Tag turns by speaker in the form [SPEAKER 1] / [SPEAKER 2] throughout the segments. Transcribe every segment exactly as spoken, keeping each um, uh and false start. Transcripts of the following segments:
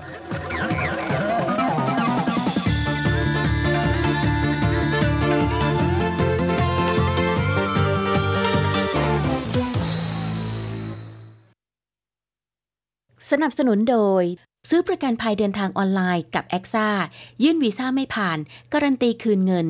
[SPEAKER 1] สนับสนุนโดยซื้อประกันภัยเดินทางออนไลน์กับ แอคซ่า ยื่นวีซ่าไม่ผ่านการันตีคืนเงิน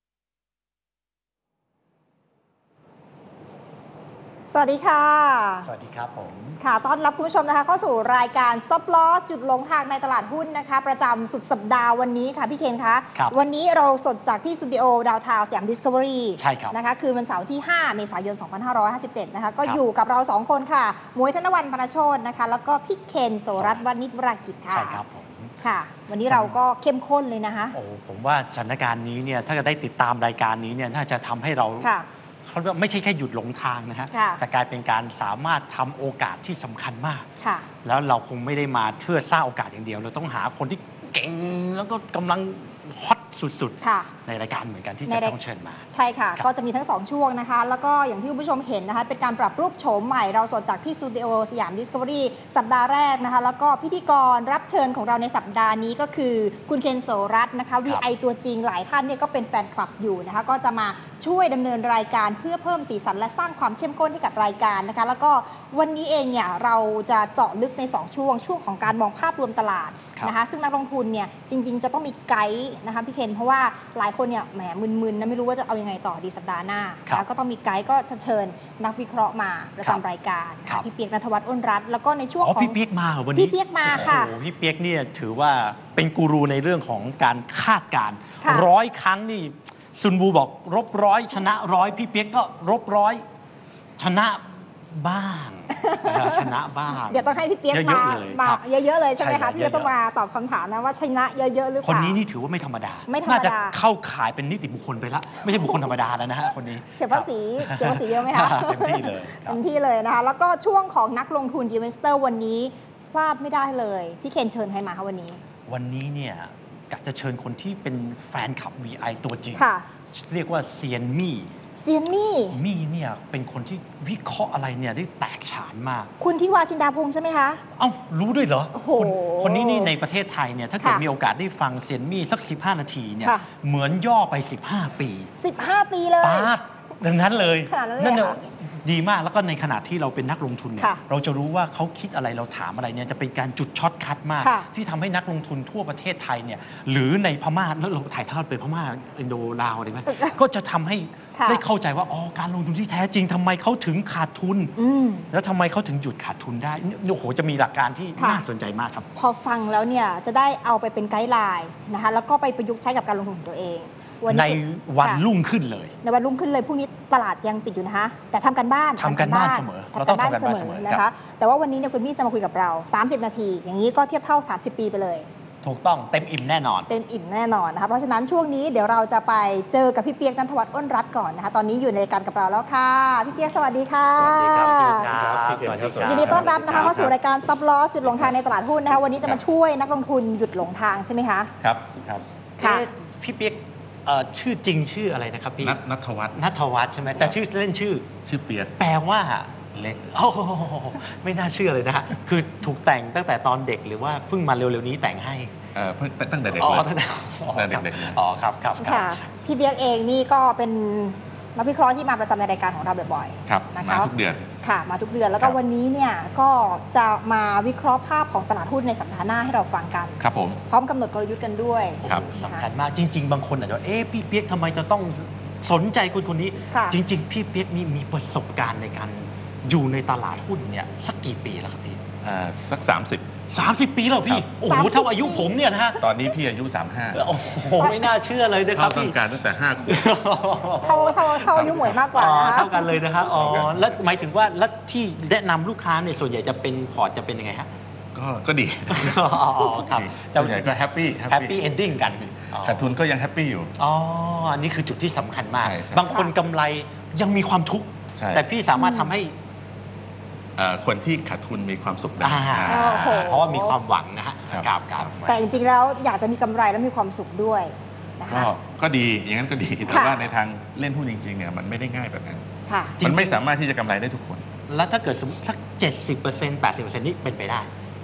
[SPEAKER 2] สวัสดีค่ะ
[SPEAKER 3] สวัสดีครับผม
[SPEAKER 2] ค่ะต้อนรับคุณผู้ชมนะคะเข้าสู่รายการ Stop Loss จุดหลงทางในตลาดหุ้นนะคะประจำสุดสัปดาห์วันนี้ค่ะพี่เคนคะวันนี้เราสดจากที่สตูดิโอดาวทาวน์สยามดิสคัฟเวอรี่
[SPEAKER 3] ใช่ครับ
[SPEAKER 2] นะคะคือวันเสาร์ที่ห้าเมษายนสองพันห้าร้อยห้าสิบเจ็ดนะคะก็อยู่กับเราสองคนค่ะมวยธนวรรณ พรรณโชตินะคะแล้วก็พี่เคนโสรัตน์วณิชวรากิจค่ะ
[SPEAKER 3] ใช่ครับผม
[SPEAKER 2] ค่ะวันนี้เราก็เข้มข้นเลยนะคะ
[SPEAKER 3] โอ้ผมว่าสถานการณ์นี้เนี่ยถ้าจะได้ติดตามรายการนี้เนี่ยน่าจะทำให้เราเขาไม่ใช่แค่หยุดหลงทางนะฮะจะกลายเป็นการสามารถทำโอกาสที่สำคัญมากแล้วเราคงไม่ได้มาเพื่อสร้างโอกาสอย่างเดียวเราต้องหาคนที่เก่งแล้วก็กำลังฮอตสุดๆในรายการเหมือนกันที่จะต้องเชิญมา
[SPEAKER 2] ใช่ค่ะก็จะมีทั้งสองช่วงนะคะแล้วก็อย่างที่คุณผู้ชมเห็นนะคะเป็นการปรับรูปโฉมใหม่เราสดจากที่สตูดิโอสยามดิสคัฟเวอรี่สัปดาห์แรกนะคะแล้วก็พิธีกรรับเชิญของเราในสัปดาห์นี้ก็คือคุณเคนโสรัตน์นะคะ วี ไอ ตัวจริงหลายท่านเนี่ยก็เป็นแฟนคลับอยู่นะคะก็จะมาช่วยดำเนินรายการเพื่อเพิ่มสีสันและสร้างความเข้มข้นให้กับรายการนะคะแล้วก็วันนี้เองเนี่ยเราจะเจาะลึกในสองช่วงช่วงของการมองภาพรวมตลาดนะคะซึ่งนักลงทุนเนี่ยจริงๆจะต้องมีไกด์นะคะพี่เคนเพราะว่าหลายคนเนี่ยแหมมึนๆนะไม่รู้ว่าจะเอายังไงต่อดีสัปดาห์หน้าแล้วก็ต้องมีไกด์ก็เชิญนักวิเคราะห์มาประจำรายการพี่เปียกณัฐวัฒน์อ้นรัตน์แล้วก็ในช่วงของ
[SPEAKER 3] พี่เปียกมาวันนี้
[SPEAKER 2] พี่เปียกมาค่ะ
[SPEAKER 3] โอ้พี่เปียกเนี่ยถือว่าเป็นกูรูในเรื่องของการคาดการณ์ร้อยครั้งนี่ซุนบูบอกรบร้อยชนะร้อยพี่เปียกก็รบร้อยชนะบ้างชนะบ้าง
[SPEAKER 2] เดี๋ยวต้องให้พี่เปี๊ยกมามาเยอะๆเลยใช่ไหมคะพี่จะต้องมาตอบคำถามนะว่าชนะเยอะๆหรือเปล่า
[SPEAKER 3] คนนี้นี่ถือว่าไม่ธรรมดาน่าจะเข้าขายเป็นนิติบุคคลไปละไม่ใช่บุคคลธรรมดาแล้วนะฮะคนนี้
[SPEAKER 2] เสียภาษีเสียภาษีเยอะไหมคะ
[SPEAKER 3] เต็มที่เลย
[SPEAKER 2] เต็มที่เลยนะคะแล้วก็ช่วงของนักลงทุนอินเวสเตอร์วันนี้พลาดไม่ได้เลยพี่เคนเชิญใครมาคะวันนี้
[SPEAKER 3] วันนี้เนี่ยกะจะเชิญคนที่เป็นแฟนคลับ วี ไอ ตัวจริงเรียกว่าเซียนมี่
[SPEAKER 2] เซียนมี่
[SPEAKER 3] มี่เนี่ยเป็นคนที่วิเคราะห์อะไรเนี่ยได้แตกฉานมาก
[SPEAKER 2] คุณที่วาชินดาพงษ์ใช่ไหมคะ
[SPEAKER 3] เอ้ารู้ด้วยเหรอ
[SPEAKER 2] โอ้โห
[SPEAKER 3] คนนี้นี่ในประเทศไทยเนี่ยถ้าเกิดมีโอกาสได้ฟังเซียนมี่สักสิบห้านาทีเนี่ยเหมือนย่อไปสิบห้าปี
[SPEAKER 2] สิบห้าปีเลย
[SPEAKER 3] ปาดดังนั้นเลยนั่นเนี่ยดีมากแล้วก็ในขณะที่เราเป็นนักลงทุนเนี่ยเราจะรู้ว่าเขาคิดอะไรเราถามอะไรเนี่ยจะเป็นการจุดช็อตคัทมากที่ทำให้นักลงทุนทั่วประเทศไทยเนี่ยหรือในพม่าแล้วเราถ่ายทอดไปพม่าอินโดลาวอะไรไหมก็จะทำให้ได้เข้าใจว่าอ๋อการลงทุนที่แท้จริงทำไมเขาถึงขาดทุนแล้วทำไมเขาถึงหยุดขาดทุนได้โอ้โหจะมีหลักการที่น่าสนใจมากครับ
[SPEAKER 2] พอฟังแล้วเนี่ยจะได้เอาไปเป็นไกด์ไลน์นะคะแล้วก็ไปประยุกต์ใช้กับการลงทุนของตัวเอง
[SPEAKER 3] ในวันรุ่งขึ้นเลย
[SPEAKER 2] ในวันรุ่งขึ้นเลยพรุ่งนี้ตลาดยังปิดอยู่นะคะแต่ทำกันบ้าน
[SPEAKER 3] ทำกันบ้านเสมอเราต้องทำกันบ้านเสมอ
[SPEAKER 2] นะคะแต่ว่าวันนี้เนี่ยคุณมี่จะมาคุยกับเราสามสิบนาทีอย่างนี้ก็เทียบเท่าสามสิบปีไปเลย
[SPEAKER 3] ถูกต้องเต็มอิ่มแน่นอน
[SPEAKER 2] เต็มอิ่มแน่นอนนะคะเพราะฉะนั้นช่วงนี้เดี๋ยวเราจะไปเจอกับพี่เปียก ณัฐวัฒน์อ้นรัตน์ก่อนนะคะตอนนี้อยู่ในรายการกับเราแล้วค่ะพี่เปียกสวัสดีค่ะ
[SPEAKER 3] สวัสดีครับ
[SPEAKER 2] ยินดีต้อนรับนะคะเข้าสู่รายการ Stop Loss จุดหลงทางในตลาดหุ้นนะคะวันนี้จะมาช่วยนักลงทุนหยุดหลงทางใช่ไหมคะ
[SPEAKER 3] ครับครับค่ะพี่เปียกชื่อจริงชื่ออะไรนะครับพี่
[SPEAKER 4] ณัฐวัฒน์
[SPEAKER 3] ณัฐวัฒน์ใช่ไหมแต่ชื่อเล่นชื่อ
[SPEAKER 4] ชื่อเปียก
[SPEAKER 3] แปลว่า
[SPEAKER 4] เล็ก
[SPEAKER 3] โอ้ไม่น่าเชื่อเลยนะฮะคือถูกแต่งตั้งแต่ตอนเด็กหรือว่าเพิ่งมาเร็วๆนี้แต่งให้
[SPEAKER 4] เออเพิ่งตั้งแต่เด็ก
[SPEAKER 3] อ๋อ
[SPEAKER 4] ตั้งแต่เด็ก
[SPEAKER 3] อ๋อครับครับ
[SPEAKER 2] ค่ะพี่เปียกเองนี่ก็เป็นนักวิเคราะห์ที่มาประจำในรายการของเราบ่อย
[SPEAKER 4] ๆครับมาทุกเดือน
[SPEAKER 2] ค่ะมาทุกเดือนแล้วก็วันนี้เนี่ยก็จะมาวิเคราะห์ภาพของตลาดหุ้นในสัปดาห์หน้าให้เราฟังกัน
[SPEAKER 4] ครับผม
[SPEAKER 2] พร้อมกำหนดกลยุทธ์กันด้วย
[SPEAKER 3] ครับสำคัญมากจริงๆบางคนอาจจะเอ๊ะพี่เปียกทำไมจะต้องสนใจคนคนนี้จริงๆพี่เปียกนี่มีประสบการณ์ในการอยู่ในตลาดหุ้นเนี่ยสักกี่ปีแล้วครับพี่
[SPEAKER 4] สักสามสิบ
[SPEAKER 3] สามสิบปีแล้วพี่โอ้โหเท่าอายุผมเนี่ยนะฮะ
[SPEAKER 4] ตอนนี้พี่อายุสามสิบห้า
[SPEAKER 3] โอ้โหไม่น่าเชื่อเลยนะครับ
[SPEAKER 4] พี่ต้องการตั้งแต่ห้าขวบ
[SPEAKER 2] เท่าเท่าเท่าอายุหมวยมากกว่า
[SPEAKER 3] เท่ากันเลยนะครับอ๋อแล้วหมายถึงว่าแล้วที่แนะนำลูกค้าเนี่ยส่วนใหญ่จะเป็นพอร์ตจะเป็นยังไงฮะ
[SPEAKER 4] ก็ก็ดี
[SPEAKER 3] อ๋อครับ
[SPEAKER 4] ส่วนใหญ่ก็แฮปปี้
[SPEAKER 3] แฮปปี้เอนดิ้งกัน
[SPEAKER 4] ขาดทุนก็ยังแฮปปี้อยู่
[SPEAKER 3] อ๋ออันนี้คือจุดที่สำคัญมากบางคนกำไรยังมีความทุกข์แต่พี่สามารถทำให้
[SPEAKER 4] คนที่ขาดทุนมีความสุขได้
[SPEAKER 3] เพราะว่ามีความหวังนะฮะครับครับ
[SPEAKER 2] แต่จริงๆแล้วอยากจะมีกำไรแล้วมีความสุขด้วยนะคะ
[SPEAKER 4] ก็ดีอย่างนั้นก็ดีแต่ว่าในทางเล่นหุ้นจริงๆเนี่ยมันไม่ได้ง่ายแบบนั้นมันไม่สามารถที่จะกำไรได้ทุกคน
[SPEAKER 3] แล้วถ้าเกิดสมมติสัก เจ็ดสิบเปอร์เซ็นต์ แปดสิบเปอร์เซ็นต์ นี่เป็นไปได้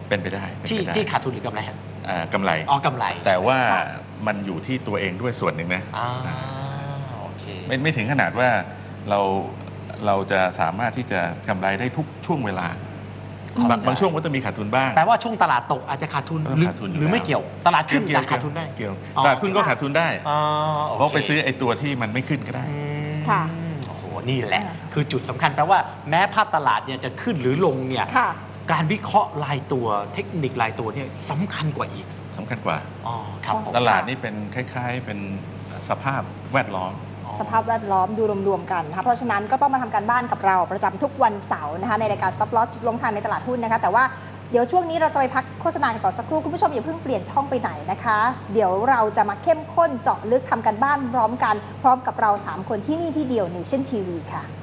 [SPEAKER 4] เป็นไปได้
[SPEAKER 3] ที่ที่ขาดทุนหรือกำไรฮะ
[SPEAKER 4] กำไร
[SPEAKER 3] อ๋อกำไร
[SPEAKER 4] แต่ว่ามันอยู่ที่ตัวเองด้วยส่วนหนึ่งนะ
[SPEAKER 3] โอเค
[SPEAKER 4] ไม่ไม่ถึงขนาดว่าเราเราจะสามารถที่จะกำไรได้ทุกช่วงเวลาบางบางช่วงก็จะมีขาดทุนบ้าง
[SPEAKER 3] แปลว่าช่วงตลาดตกอาจจะขาดทุนหรือไม่เกี่ยวตลาดขึ้นก็ขาดทุนได้
[SPEAKER 4] เกี่ยวตลาดขึ้นก็ขาดทุนได้เพราะไปซื้อไอ้ตัวที่มันไม่ขึ้นก็ได้
[SPEAKER 2] ค่ะ
[SPEAKER 3] โอ้โหนี่แหละคือจุดสำคัญแปลว่าแม้ภาพตลาดเนี่ยจะขึ้นหรือลงเนี่ยการวิเคราะห์รายตัวเทคนิครายตัวเนี่ยสำคัญกว่าอีก
[SPEAKER 4] สำคัญกว่า
[SPEAKER 3] อ๋อครับ
[SPEAKER 4] ตลาดนี่เป็นคล้ายๆเป็นสภาพแวดล้อม
[SPEAKER 2] สภาพแวดล้อมดูรวมๆกันนะคะเพราะฉะนั้นก็ต้องมาทำการบ้านกับเราประจำทุกวันเสาร์นะคะในรายการ Stop Loss จุดลงทางในตลาดหุ้นนะคะแต่ว่าเดี๋ยวช่วงนี้เราจะไปพักโฆษณากันก่อนสักครู่คุณผู้ชมอย่าเพิ่งเปลี่ยนช่องไปไหนนะคะเดี๋ยวเราจะมาเข้มข้นเจาะลึกทำกันบ้านพร้อมกันพร้อมกับเราสามคนที่นี่ที่เดียว Nation ที วี ค่ะ